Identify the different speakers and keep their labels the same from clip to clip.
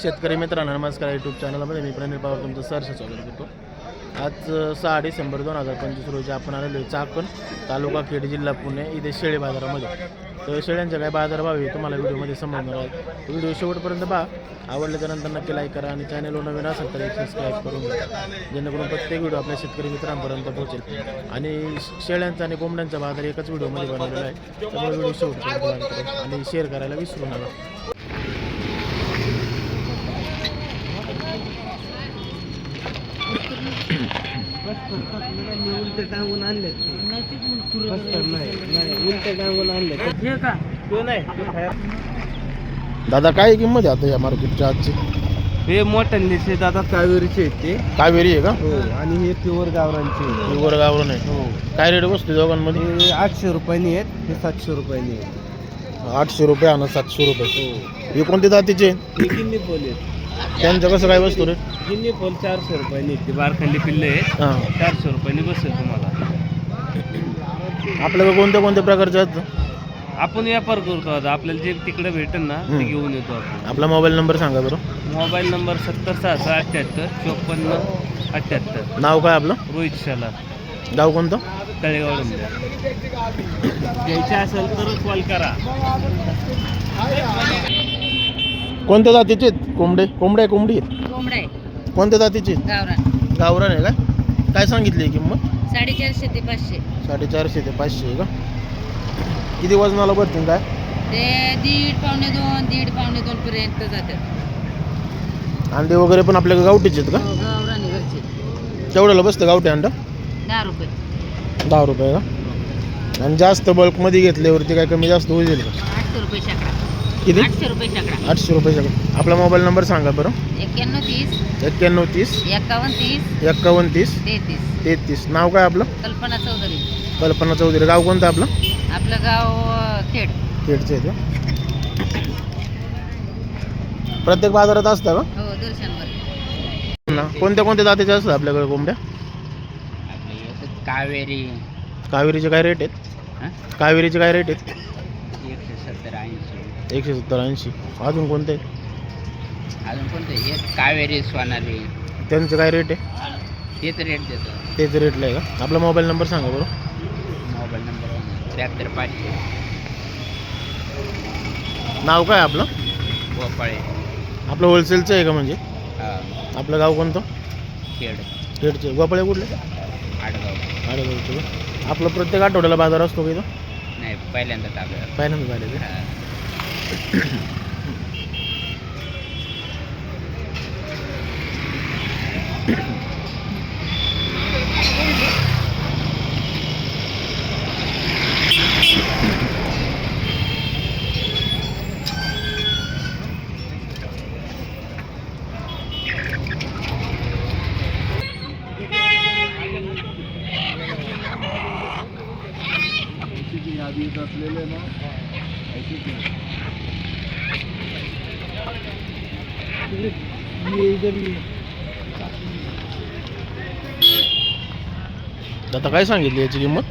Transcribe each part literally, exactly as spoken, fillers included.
Speaker 1: शेतकरी मित्रांनो नमस्कार. यूट्यूब चॅनलमध्ये मी प्रणील पवार तुमचं सहर्ष स्वागत करतो. आज सहा डिसेंबर दोन हजार पंचवीस रोजी आपण आलेलो आहे चाकण तालुका खेड जिल्हा पुणे इथे शेळी बाजारामध्ये. तर शेळ्यांच्या काय बाजारभाव आहे तुम्हाला व्हिडिओमध्ये समजणार आहे. व्हिडिओ शेवटपर्यंत पहा. आवडलं त्यानंतर नक्की लाईक करा आणि चॅनलवर नवीन असेल तर एक सबस्क्राईब करून घ्या, जेणेकरून प्रत्येक व्हिडिओ आपल्या शेतकरी मित्रांपर्यंत पोहोचेल. आणि शेळ्यांचा आणि कोंबड्यांचा बाजार एकाच व्हिडिओमध्ये बनवलेला आहे, त्यामुळे व्हिडिओ शेवटपर्यंत करा आणि शेअर करायला विसरू नका.
Speaker 2: उलटे टांगून आणले उलटे टांगून आणले
Speaker 1: दादा काय किंमत आहे आता या मार्केटच्या आजची?
Speaker 2: हे मोठ्यांचे दादा कावेरीचे आहेत ते.
Speaker 1: कावेरी आहे का?
Speaker 2: हो. आणि हे प्युअर गावरांचे.
Speaker 1: प्युअर गावरान आहे.
Speaker 2: हो.
Speaker 1: काय रेट बसते दोघांमध्ये?
Speaker 2: हे आठशे रुपयांनी आहेत, हे सातशे रुपयांनी आहेत.
Speaker 1: आठशे रुपये आणि सातशे रुपये.
Speaker 2: हो.
Speaker 1: हे कोणते जातीचे?
Speaker 2: हे गिन्नी पोल आहेत.
Speaker 1: त्यांचं कसं काय बसतो रे?
Speaker 2: गिन्नी पोल चारशे रुपयांनी आहेत. ते बारखंडी पिल्ले आहेत.
Speaker 1: हां,
Speaker 2: चारशे रुपयांनी बसेल तुम्हाला.
Speaker 1: आपल्याकडे कोणत्या कोणत्या प्रकारचे आहेत?
Speaker 2: आपण व्यापार करतो आता, आपल्याला जे तिकडे भेटेल ना ते घेऊन येतो आपण.
Speaker 1: आपला मोबाईल नंबर सांगा बरं.
Speaker 2: मोबाईल नंबर सत्तर सहाशे अठ्ठ्याहत्तर चोपन्न अठ्ठ्याहत्तर.
Speaker 1: नाव काय आपलं?
Speaker 2: रोहित शाला,
Speaker 1: गाव कोणतं?
Speaker 2: तळेगाव. घ्यायचे असेल तर कॉल करा.
Speaker 1: कोणत्या जातीचे आहेत कोंबडे? कोंबडे कोंबडी आहेत.
Speaker 3: कोंबडा आहे
Speaker 1: कोणत्या जातीचे?
Speaker 3: गावरान.
Speaker 1: गावरान आहे काय? काय सांगितली किंमत?
Speaker 3: साडेचारशे ते पाचशे.
Speaker 1: साडेचारशे ते पाचशे आहे का? किती वजनाला भरतील काय?
Speaker 3: ते दीड पावणे दोन दीड पावणे दोन पर्यंत जातात.
Speaker 1: अंडे वगैरे पण आपल्याकडे गावठीचे आहेत का?
Speaker 3: हो, गावरान आहे घरचे.
Speaker 1: केवढ्याला बसतं गावठी अंडं?
Speaker 3: दहा रुपये.
Speaker 1: दहा रुपये का? आणि जास्त बल्कमध्ये घेतल्यावरती काय कमी जास्त होईल का?
Speaker 3: आठशे रुपये शेकडा.
Speaker 1: किती?
Speaker 3: आठशे रुपये शेकडा.
Speaker 1: आठशे रुपये सगळं. आपला मोबाईल नंबर सांगा बरं.
Speaker 3: एक्क्याण्णव तीस
Speaker 1: एक्क्याण्णव तीस
Speaker 3: एक्कावन्न तीस
Speaker 1: एक्कावन्न तीस
Speaker 3: तेहतीस.
Speaker 1: तेहतीस. नाव काय आपलं?
Speaker 3: कल्पना चौधरी.
Speaker 1: कल्पना चौधरी. गाव कोणतं आपलं?
Speaker 3: आपलं गाव खेड.
Speaker 1: खेडचं आहे का? प्रत्येक बाजारात असतं का?
Speaker 3: हो, दर्शनवर.
Speaker 1: ना कोणत्या कोणत्या जातीच्या असतात आपल्याकडे कोंबड्या?
Speaker 2: कावेरी
Speaker 1: कावेरीचे काय रेट आहेत? कावेरीचे काय रेट आहेत?
Speaker 2: एकशे सत्तर ऐंशी.
Speaker 1: एकशे सत्तर ऐंशी. अजून कोणते?
Speaker 2: अजून कोणते? एक कावेरी सोनाली.
Speaker 1: त्यांचं काय रेट आहे?
Speaker 2: तेच रेट देतो.
Speaker 1: तेच रेटला आहे का? आपला मोबाईल नंबर सांगा बरं.
Speaker 2: मोबाईल नंबर त्र्याहत्तर पाचशे.
Speaker 1: नाव काय आपलं?
Speaker 2: गोपाळे.
Speaker 1: आपलं होलसेलचं आहे का म्हणजे?
Speaker 2: हां.
Speaker 1: आपलं गाव कोणतं?
Speaker 2: खेड.
Speaker 1: खेडचे. गोपाळे कुठले?
Speaker 2: आडगाव.
Speaker 1: आडगावचे का? आपलं प्रत्येक आठवड्याला बाजार असतो का इथं?
Speaker 2: नाही, पहिल्यांदा टाकलं.
Speaker 1: पहिल्यांदा झाले का? असलेले ना आता काय सांगितली याची किंमत?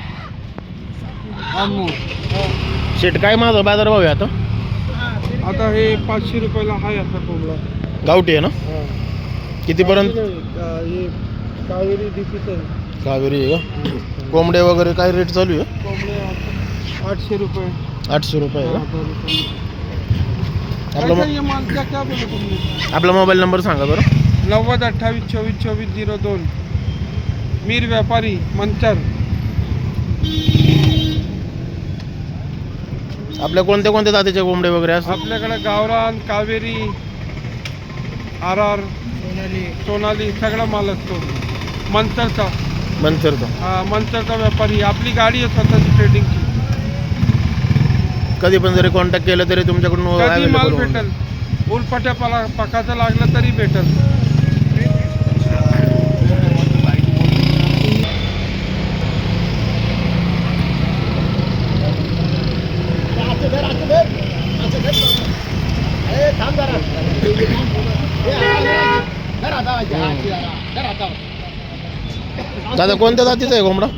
Speaker 1: शेट काय माझा बाजार भाव आहे आता?
Speaker 2: आता हे पाचशे रुपयाला आहे आता कोंबडा.
Speaker 1: गावठी आहे ना? कितीपर्यंत?
Speaker 2: हे कावेरी डीपीचं आहे.
Speaker 1: कावेरी आहे का? कोंबडे वगैरे काय रेट चालू आहे?
Speaker 2: कोंबडे आठशे रुपये.
Speaker 1: आठशे रुपये आहे का? आपला
Speaker 2: आपला माल क्या क्या बोलू तुम्ही?
Speaker 1: आपला मोबाईल नंबर सांगा बरं.
Speaker 2: नव्वद अठ्ठावीस चोवीस चोवीस झिरो दोन. मीर व्यापारी मंचर.
Speaker 1: आपल्या कोणत्या कोणत्या जातीचे कोंबडे वगैरे असतात?
Speaker 2: आपल्याकडे गावरान, कावेरी, आर आर, सोनाली सोनाली सगळा माल असतो. मंचरचा.
Speaker 1: मंचरचा.
Speaker 2: हा, मंचरचा व्यापारी. आपली गाडी आहे स्वतःची ट्रेडिंगची.
Speaker 1: कधी पण जरी कॉन्टॅक्ट केलं तरी तुमच्याकडून
Speaker 2: कधी माल
Speaker 1: available होऊन
Speaker 2: भेटल. उलपट्या पाला पकाचं लागलं तरी भेटल.
Speaker 1: दादा कोणत्या जातीचा आहे कोंबडा?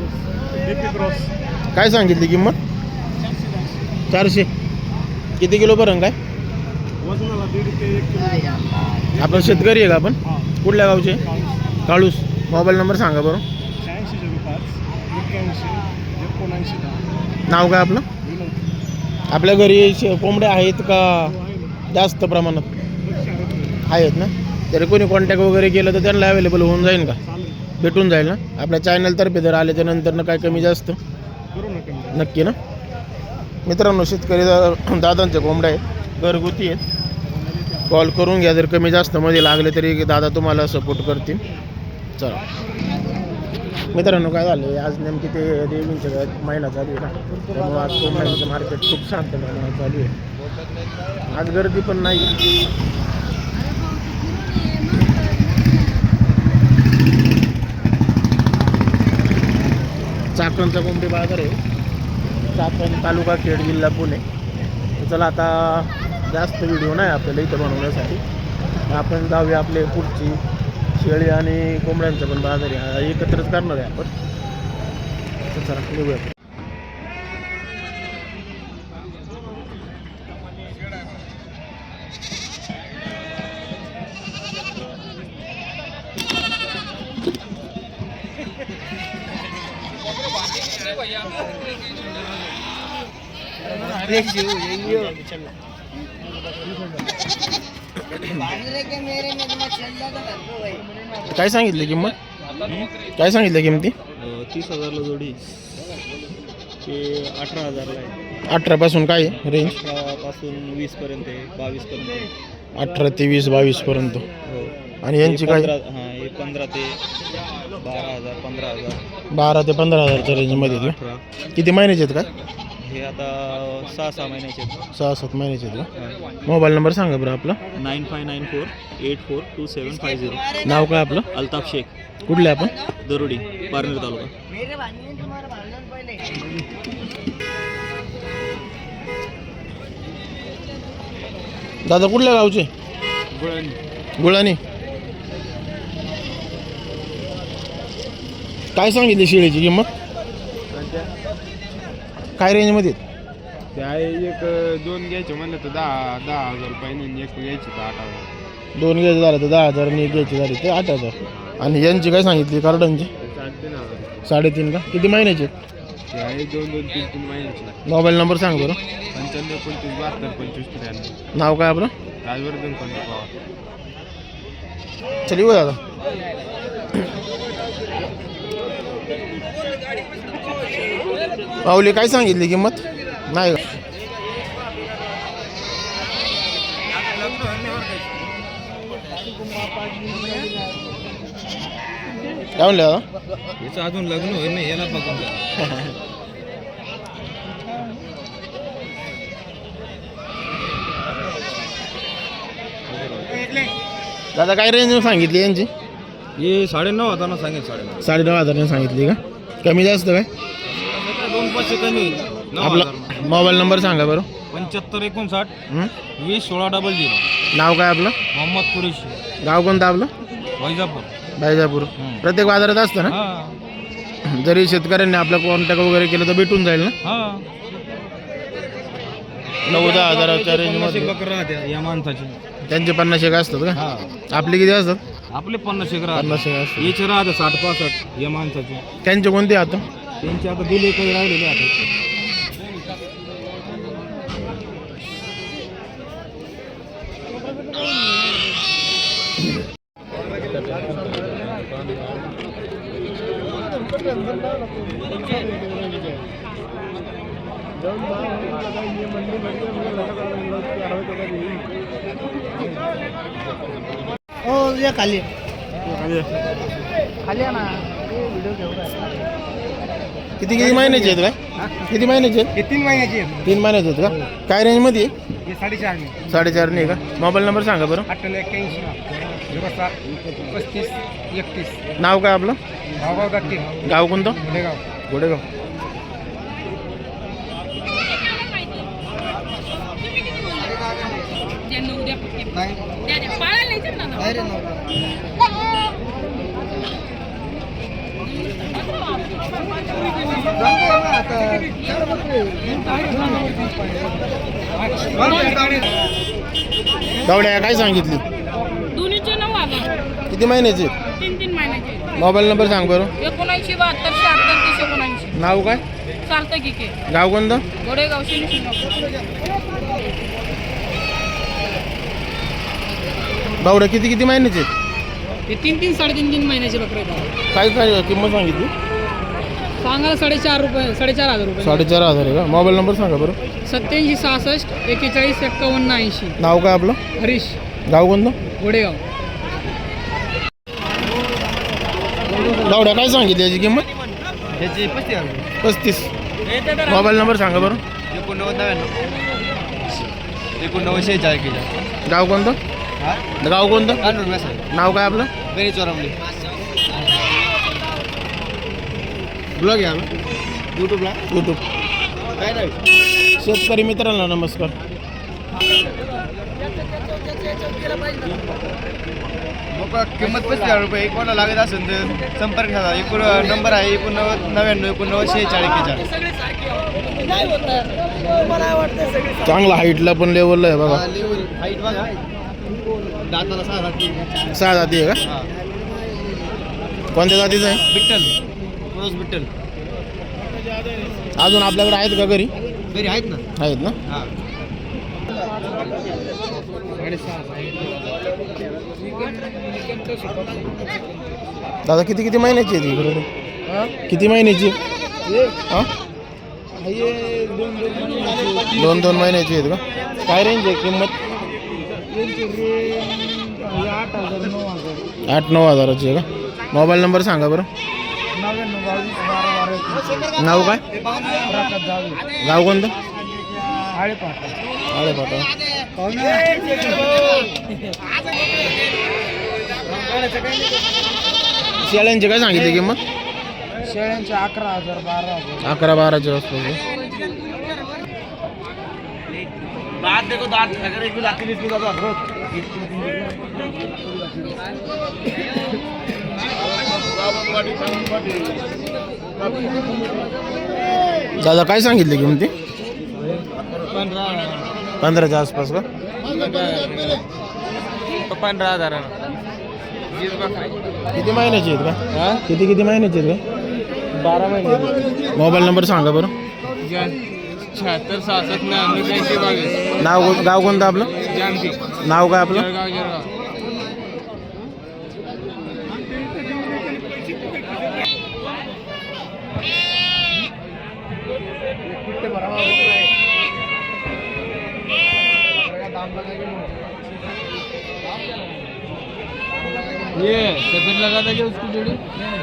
Speaker 1: काय सांगितली किंमत? चारशे. किती किलो पर्यंत काय?
Speaker 2: वजनाला दीड ते एक किलो.
Speaker 1: आपण शेतकरी आहे का आपण?
Speaker 2: हां.
Speaker 1: कुठल्या गावचे? काळूस. मोबाईल नंबर सांगा बरं.
Speaker 2: शहाऐंशी झिरो पाच एक्क्याऐंशी एकोणऐंशी दहा.
Speaker 1: नाव काय आपलं?
Speaker 2: विनोद.
Speaker 1: आपल्या घरी शे- कोंबड्या आहेत का
Speaker 2: आहे ना.
Speaker 1: जास्त प्रमाणात
Speaker 2: चालेल.
Speaker 1: आहेत ना? तरी कोणी कॉन्टॅक्ट वगैरे केलं तर त्यांना अवेलेबल होऊन जाईल का? भेटून जाईल ना? आपल्या चॅनलतर्फे जर आल्याच्या नंतर काय कमी जास्त
Speaker 2: करू नका.
Speaker 1: नक्की ना? मित्रांनो, शेतकरी दा- दादांच्या कोंबड्या आहेत, घरगुती आहेत. कॉल करून घ्या, जर कमी जास्त मध्ये लागले तरी दादा तुम्हाला सपोर्ट करतील. चला मित्रांनो, काय झालं आज नेमकी ते देवींच्या महिना चालू आहे ना, त्यामुळे आज कोंबड्यांचं मार्केट खूप शांत प्रमाणात चालू आहे. आज गर्दी पण नाही. चाकणचा कोंबडी बाजार आहे, चाकण तालुका खेड जिल्हा पुणे. तर चला आता जास्त व्हिडिओ नाही आपल्याला इथं बनवण्यासाठी, आपण जाऊया आपले पुढची शेळी आणि कोंबड्यांचा पण बाजार आहे, एकत्रच करणार आहे आपण. तर चला निघूया. काय सांगितलं किंमत? काय सांगितलं किंमती?
Speaker 4: तीस हजारला जोडी ते अठरा हजारला आहे.
Speaker 1: अठरा पासून काय आहे रेंज?
Speaker 4: अठरापासून वीसपर्यंत आहे, बावीसपर्यंत आहे.
Speaker 1: अठरा ते वीस बावीस पर्यंत.
Speaker 4: हो.
Speaker 1: आणि यांची
Speaker 4: हे
Speaker 1: काय?
Speaker 4: पंधरा हां हे पंधरा ते बारा हजार पंधरा हजार
Speaker 1: बारा ते पंधरा हजारच्या रेंजमध्ये आहेत
Speaker 4: अठरा.
Speaker 1: का? किती महिन्याचे आहेत काय?
Speaker 4: हे आता सहा सहा महिन्याचे आहेत.
Speaker 1: सहा सात महिन्याचे आहेत का? मोबाईल नंबर सांगा बरं आपला.
Speaker 4: Nine five nine four eight four two seven five zero.
Speaker 1: नाव काय आपलं?
Speaker 4: अल्ताफ शेख,
Speaker 1: कुठले आपण?
Speaker 4: दरोडी, पारनेर तालुका.
Speaker 1: दादा कुठल्या गावचे? गुळानी. काय सांगितली शेळीची किंमत? काय रेंजमध्ये?
Speaker 2: ते आहे एक दोन घ्यायचे म्हणलं तर दहा दहा हजार रुपये, एक घ्यायचे तर आठ हजार.
Speaker 1: दोन घ्यायचे झालं तर दहा हजार आणि एक घ्यायची झाली ते आठ हजार. आणि यांची काय सांगितली कार्डनची?
Speaker 2: साडेतीन हजार.
Speaker 1: साडेतीन का? किती महिन्याचे?
Speaker 2: ते आहे दोन दोन तीन तीन महिन्याचे.
Speaker 1: मोबाईल नंबर सांग बरं.
Speaker 2: पंच्याण्णव पंचवीस बहात्तर पंचवीस त्र्याण्णव.
Speaker 1: नाव काय आपलं?
Speaker 2: राजवर्धन कोणता पवार.
Speaker 1: चल येऊ दादा. पावली काय सांगितली किंमत? नाही का? काय म्हणले दादा?
Speaker 4: याचं अजून लग्न होईल नाही, याला बघून
Speaker 1: दादा काय रेंज सांगितली यांची?
Speaker 4: हे साडेनऊ हजारला सांगेल. साडेनऊ
Speaker 1: साडेनऊ हजाराने सांगितली का? कमी जास्त काय?
Speaker 4: दोन पाचशे कमी.
Speaker 1: आपला मोबाईल नंबर सांगा बरं.
Speaker 4: पंच्याहत्तर एकोणसाठ
Speaker 1: हं?
Speaker 4: वीस सोळा डबल झिरो.
Speaker 1: नाव काय आपलं?
Speaker 4: मोहम्मद कुरेशी,
Speaker 1: गाव कोणतं आपलं?
Speaker 4: वैजापूर.
Speaker 1: बायजापूर. प्रत्येक बाजारात असतं ना?
Speaker 4: हां
Speaker 1: जरी शेतकऱ्यांनी आपलं कॉन्टॅक्ट वगैरे केलं तर भेटून जाईल ना?
Speaker 4: हां.
Speaker 1: नऊ दहा हजाराच्या
Speaker 4: पन्नास
Speaker 1: रेंजमध्ये
Speaker 4: एक बकरं राहत्या या माणसाची.
Speaker 1: त्यांचे पन्नास एक असतात का?
Speaker 4: हां
Speaker 1: आपले किती असतात?
Speaker 4: आपले पन्नास एक राहते.
Speaker 1: पन्नास एक असतात.
Speaker 4: याचे राहते साठ पासष्ट या माणसाचे.
Speaker 1: त्यांचे कोणते आता?
Speaker 4: त्यांचे आता दिले काही राहिलेले आता.
Speaker 1: हो या खाली खाली ना. किती किती महिन्याचे आहेत काय? किती महिन्याचे आहेत?
Speaker 2: हे तीन महिन्याचे आहेत.
Speaker 1: तीन महिन्याचे आहेत का? काय रेंजमध्ये?
Speaker 2: हे साडेचार नाही.
Speaker 1: साडेचार नाही का? मोबाईल नंबर सांगा बरं.
Speaker 2: अठ्ठ्याण्णव एक्क्याऐंशी झिरो सात पस्तीस एकतीस.
Speaker 1: नाव काय आपलं?
Speaker 2: भावगाव दत्ते,
Speaker 1: गाव कोणतं?
Speaker 2: गुडेगाव.
Speaker 1: गोडेगाव. गावड्या काय सांगितली?
Speaker 3: दोन्हीचे नऊ हजार
Speaker 1: किती महिन्याची आहेत?
Speaker 3: तीन तीन महिन्याचे.
Speaker 1: मोबाईल नंबर सांग बरं.
Speaker 3: एकोणऐंशी बहात्तर शहात्तर तीस एकोणऐंशी.
Speaker 1: नाव काय?
Speaker 3: चालतं की के
Speaker 1: गाव कोणतं?
Speaker 3: गोडेगाव शनी शिंगापूर.
Speaker 1: गावड्या किती किती महिन्याचे आहेत?
Speaker 3: ते तीन तीन साडेतीन तीन महिन्याचे बकरे आहेत.
Speaker 1: काय काय किंमत सांगितली?
Speaker 3: सांगायला साडेचार रुपये साडेचार हजार रुपये.
Speaker 1: साडेचार हजार आहे का? मोबाईल नंबर सांगा बरं.
Speaker 3: सत्याऐंशी सहासष्ट एकेचाळीस एक्कावन्न ऐंशी.
Speaker 1: नाव काय आपलं?
Speaker 3: हरीश
Speaker 1: गाव कोणतं?
Speaker 3: गोडेगाव.
Speaker 1: गावड्या काय सांगितली याची किंमत?
Speaker 4: त्याची पस्तीस हजार.
Speaker 1: पस्तीस. मोबाईल नंबर सांगा बरं.
Speaker 4: एकोणनव्वद नव्याण्णव एकोणनव्वद शेहेचाळीस.
Speaker 1: गाव कोणतं?
Speaker 4: हा
Speaker 1: गाव कोणतं?
Speaker 4: कानूर मॅसेज
Speaker 1: नाव काय आपलं?
Speaker 4: गणेश चोरमली.
Speaker 1: ब्लॉग आहे
Speaker 4: यूट्यूबला
Speaker 1: यूट्यूब.
Speaker 4: काय नाही.
Speaker 1: शेतकरी मित्रांना नमस्कार.
Speaker 4: मग किंमत पस्तीस हजार रुपये. कोणाला लागत असेल तर संपर्क साधा. एकूण नंबर आहे एकोणनव्वद नव्याण्णव एकोणनव्वद शेहेचाळीस एकेचाळीस.
Speaker 1: चांगला हाईटला पण लेवलला आहे बघा.
Speaker 4: हाईट बघा. दाताला सहा जाती.
Speaker 1: सहा जाती आहे का?
Speaker 4: हा
Speaker 1: कोणत्या जातीचं आहे?
Speaker 4: बिट्टल क्रोस बिट्टल.
Speaker 1: अजून आपल्याकडे आहेत का घरी?
Speaker 4: घरी आहेत ना.
Speaker 1: आहेत ना.
Speaker 4: हा
Speaker 1: दादा किती किती महिन्याची आहे ती इकडे? किती महिन्याची? हां दोन दोन महिन्याची आहेत का? काय रेंज आहे किंमत? आठ नऊ हजाराची आहे का? मोबाईल नंबर सांगा बरं. नाव काय? गाव कोणतं? आळेपाटा. शेळ्यांची काय सांगितली किंमत?
Speaker 3: शेळ्यांचे अकरा हजार बारा हजार.
Speaker 1: अकरा बाराच्या आसपास.
Speaker 4: दात देखो दात अगर एक लाख तीस किलो दात रोज.
Speaker 1: दादा काय सांगितली किंमती?
Speaker 4: पंधरा
Speaker 1: पंधराच्या आसपास का?
Speaker 4: पंधरा हजार.
Speaker 1: किती महिन्याची आहेत का? किती किती महिन्याची आहेत का?
Speaker 4: बारा महिने.
Speaker 1: मोबाईल नंबर सांगा बरं.
Speaker 4: शहात्तर सहासष्ट नव्याण्णव ब्याऐंशी बावीस.
Speaker 1: नाव कोण- गाव कोणतं आपलं?
Speaker 4: जानकी
Speaker 1: नाव काय आपलं?
Speaker 4: जळगाव जळगाव. ये सफेद लगा था क्या उसकी जोड़ी?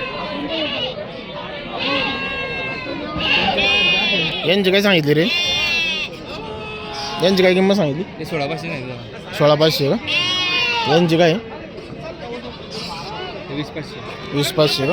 Speaker 1: यांची काय सांगितली रे? यांची काय किंमत सांगितली?
Speaker 4: ये सोळा पाचशे नाही.
Speaker 1: सोळा पाचशे का? यांची काय?
Speaker 4: वीस पाचशे.
Speaker 1: वीस पाचशे का?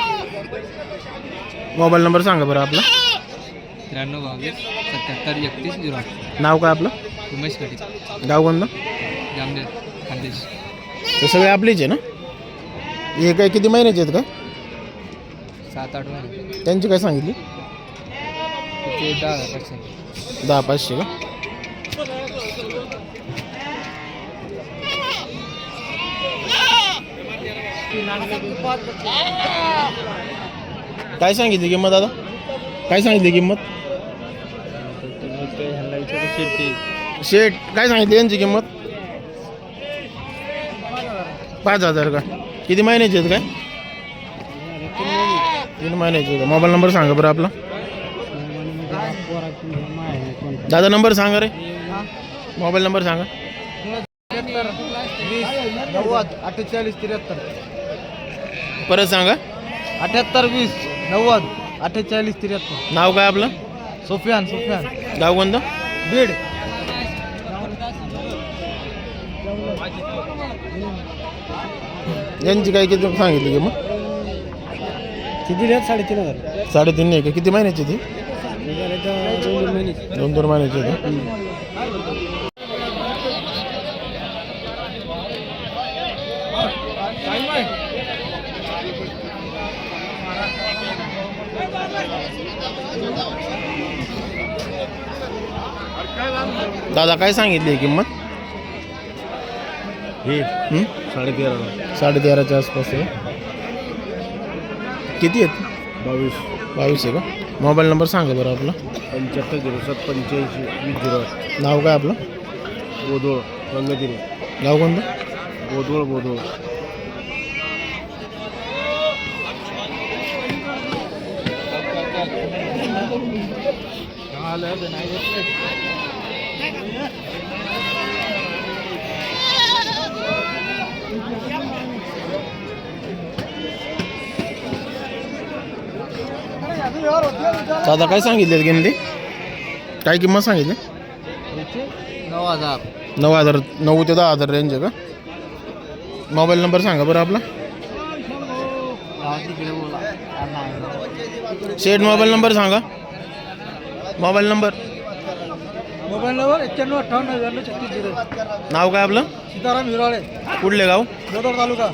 Speaker 1: मोबाईल नंबर सांगा बरं आपला.
Speaker 4: त्र्याण्णव बावीस सत्याहत्तर एकतीस झिरो आठ.
Speaker 1: नाव काय आपलं?
Speaker 4: उमेश कटी
Speaker 1: गाव कोणतं?
Speaker 4: जामदेव खानदेश.
Speaker 1: ते सगळे आपलेच आहे ना? हे काय किती महिन्याचे आहेत का?
Speaker 4: सात आठ महिने.
Speaker 1: त्यांची काय सांगितली?
Speaker 4: ते दहा हजार पाचशे.
Speaker 1: दहा पाचशे का? काय सांगितली किंमत दादा? काय सांगितली किंमत? शेट काय सांगितली यांची किंमत? पाच हजार का? किती महिन्याचे आहेत काय? तीन महिन्याचे का? मोबाईल नंबर सांगा बरं आपला. दादा नंबर सांगा रे. मोबाईल नंबर सांगा.
Speaker 4: नव्वद अठ्ठेचाळीस त्र्याहत्तर.
Speaker 1: परत सांगा.
Speaker 4: अठ्याहत्तर वीस नव्वद अठ्ठेचाळीस त्र्याहत्तर.
Speaker 1: नाव काय आपलं?
Speaker 4: सोफियान सोफियान
Speaker 1: गाव कोणतं?
Speaker 4: बीड.
Speaker 1: यांची काय किती सांगितली किंमत?
Speaker 4: किती द्या? साडेतीन हजार.
Speaker 1: साडेतीन नाही का? किती महिन्याची ती? दोन दोन महिन्याची आहे का? दादा काय सांगितली किंमत?
Speaker 4: हे
Speaker 1: हं?
Speaker 4: साडेतेरा
Speaker 1: साडे तेराच्या आसपास आहे. किती आहेत?
Speaker 4: बावीस
Speaker 1: बावीस आहे का? मोबाईल नंबर सांगा बरं आपला.
Speaker 4: पंच्याहत्तर झिरो सात पंच्याऐंशी वीस झिरो आठ.
Speaker 1: नाव काय आपलं?
Speaker 4: बोदोळ रंगदिरी.
Speaker 1: गाव कोणतं?
Speaker 4: बोदोळ बोदोळ.
Speaker 1: दादा काय सांगितले किंमती? काय किंमत सांगितली?
Speaker 4: नऊ हजार.
Speaker 1: नऊ हजार नऊ ते दहा हजार रेंज आहे का? मोबाईल नंबर सांगा बरं आपला. शेट मोबाईल नंबर सांगा. Mobile number.
Speaker 2: मोबाईल नंबर एक्क्याण्णव अठ्ठावन्न नव्याण्णव छत्तीस झिरो.
Speaker 1: नाव काय आपलं?
Speaker 2: सीताराम हिराळे,
Speaker 1: कुठले गाव?
Speaker 2: जोदर तालुका.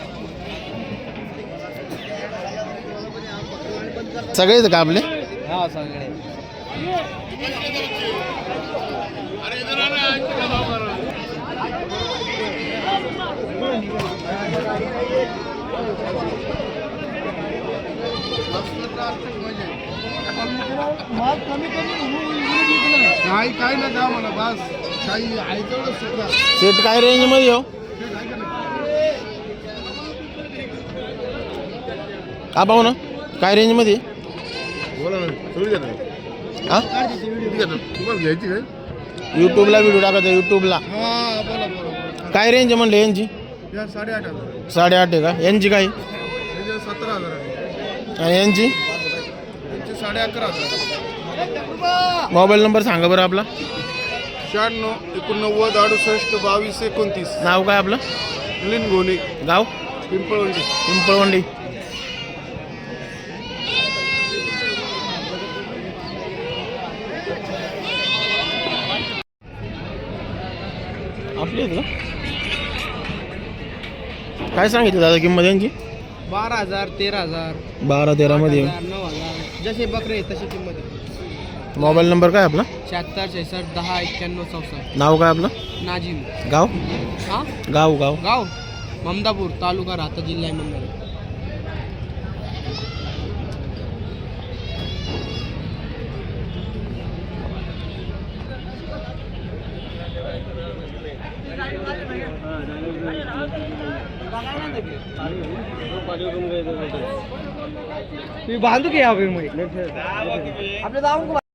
Speaker 1: सगळेच का आपले?
Speaker 2: हा सगळे.
Speaker 4: नाही काय ना द्या मला बस काही आहे तेवढं सुद्धा.
Speaker 1: शेट काय रेंज मध्ये हो? का पाहू ना काय रेंज मध्ये?
Speaker 4: बोला ना थोडी घेतात.
Speaker 1: हा
Speaker 4: किती घेतात तुम्हाला घ्यायची काय?
Speaker 1: यूट्यूबला व्हिडिओ टाकायचा यूट्यूबला.
Speaker 4: हा बोला बोला.
Speaker 1: काय रेंज आहे म्हणले यांची?
Speaker 4: या साडेआठ हजार.
Speaker 1: साडेआठ आहे का? यांची काय?
Speaker 4: त्याचे सतरा हजार आहे.
Speaker 1: आणि यांची?
Speaker 4: त्यांचे साडे अकरा हजार.
Speaker 1: मोबाईल नंबर सांगा बरं आपला.
Speaker 4: शहाण्णव एकोणनव्वद अडुसष्ट बावीस एकोणतीस.
Speaker 1: नाव काय आपलं?
Speaker 4: मिलिंद गोने
Speaker 1: गाव?
Speaker 4: पिंपळवंडी.
Speaker 1: पिंपळवंडी. आपली आहेत का? काय सांगितलं दादा किंमत यांची?
Speaker 4: बारा हजार तेरा हजार
Speaker 1: बारा तेरामध्ये.
Speaker 4: नऊ हजार जसे बकरे तशी किंमत आहे.
Speaker 1: मोबाईल नंबर काय आपला?
Speaker 4: शहात्तर छेसष्ट दहा एक्क्याण्णव चौसष्ट.
Speaker 1: नाव काय आपलं?
Speaker 4: नाजिम.
Speaker 1: गाव?
Speaker 4: हा
Speaker 1: गाव गाव
Speaker 4: गाव ममदापूर तालुका राहता जिल्हा अहमदनगर.
Speaker 2: बांधू की आपले